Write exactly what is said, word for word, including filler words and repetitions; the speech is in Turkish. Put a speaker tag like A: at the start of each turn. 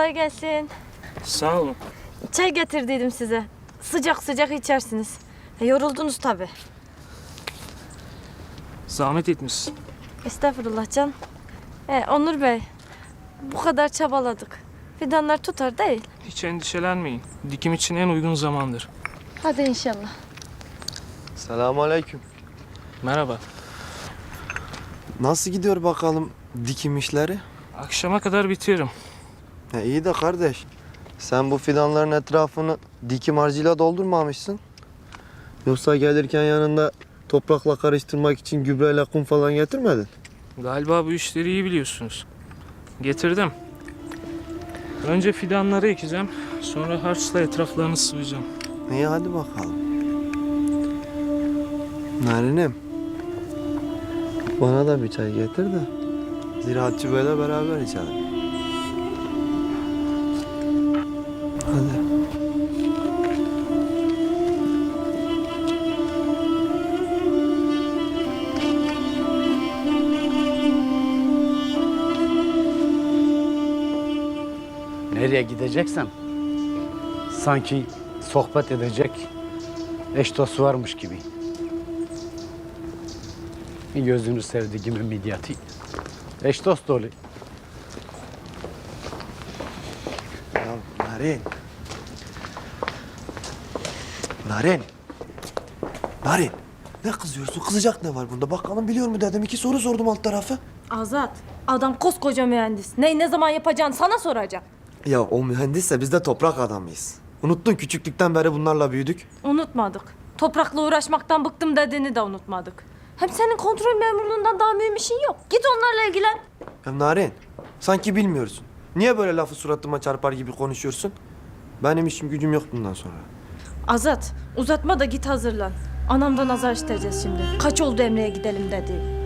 A: Kolay gelsin.
B: Sağ olun.
A: Çay getirdiydim size. Sıcak sıcak içersiniz. E, yoruldunuz tabii.
B: Zahmet etmişsin.
A: Estağfurullah can. E, Onur Bey, bu kadar çabaladık. Fidanlar tutar değil.
B: Hiç endişelenmeyin. Dikim için en uygun zamandır.
A: Hadi inşallah.
C: Selamünaleyküm.
B: Merhaba.
C: Nasıl gidiyor bakalım dikim işleri?
B: Akşama kadar bitiririm.
C: Ya iyi de kardeş, sen bu fidanların etrafını dikim harcıyla doldurmamışsın. Yoksa gelirken yanında toprakla karıştırmak için gübreyle kum falan getirmedin?
B: Galiba bu işleri iyi biliyorsunuz. Getirdim. Önce fidanları ekeceğim. Sonra harçla etraflarını sıvayacağım.
C: İyi hadi bakalım. Narinim, bana da bir çay getir de Ziraatçı Bey'le beraber içelim. Hadi.
D: Nereye gideceksen sanki sohbet edecek eş dost varmış gibi. Gözünü sevdiğimin midyatı. Eş dost dolu.
C: Ya Narin. Narin. Narin. Ne kızıyorsun? Kızacak ne var bunda? Bakalım biliyor mu dedim. İki soru sordum alt tarafı.
A: Azat, adam koskoca mühendis. Neyi ne zaman yapacağını sana soracak.
C: Ya o mühendisse biz de toprak adamıyız. Unuttun küçüklükten beri bunlarla büyüdük.
A: Unutmadık. Toprakla uğraşmaktan bıktım dediğini de unutmadık. Hem senin kontrol memurluğundan daha mühim işin yok. Git onlarla ilgilen.
C: Ya Narin, sanki bilmiyorsun. Niye böyle lafı suratıma çarpar gibi konuşuyorsun? Benim işim gücüm yok bundan sonra.
A: Azat, uzatma da git hazırlan. Anamdan azar işiteceğiz şimdi. Kaç oldu Emre'ye gidelim dedi.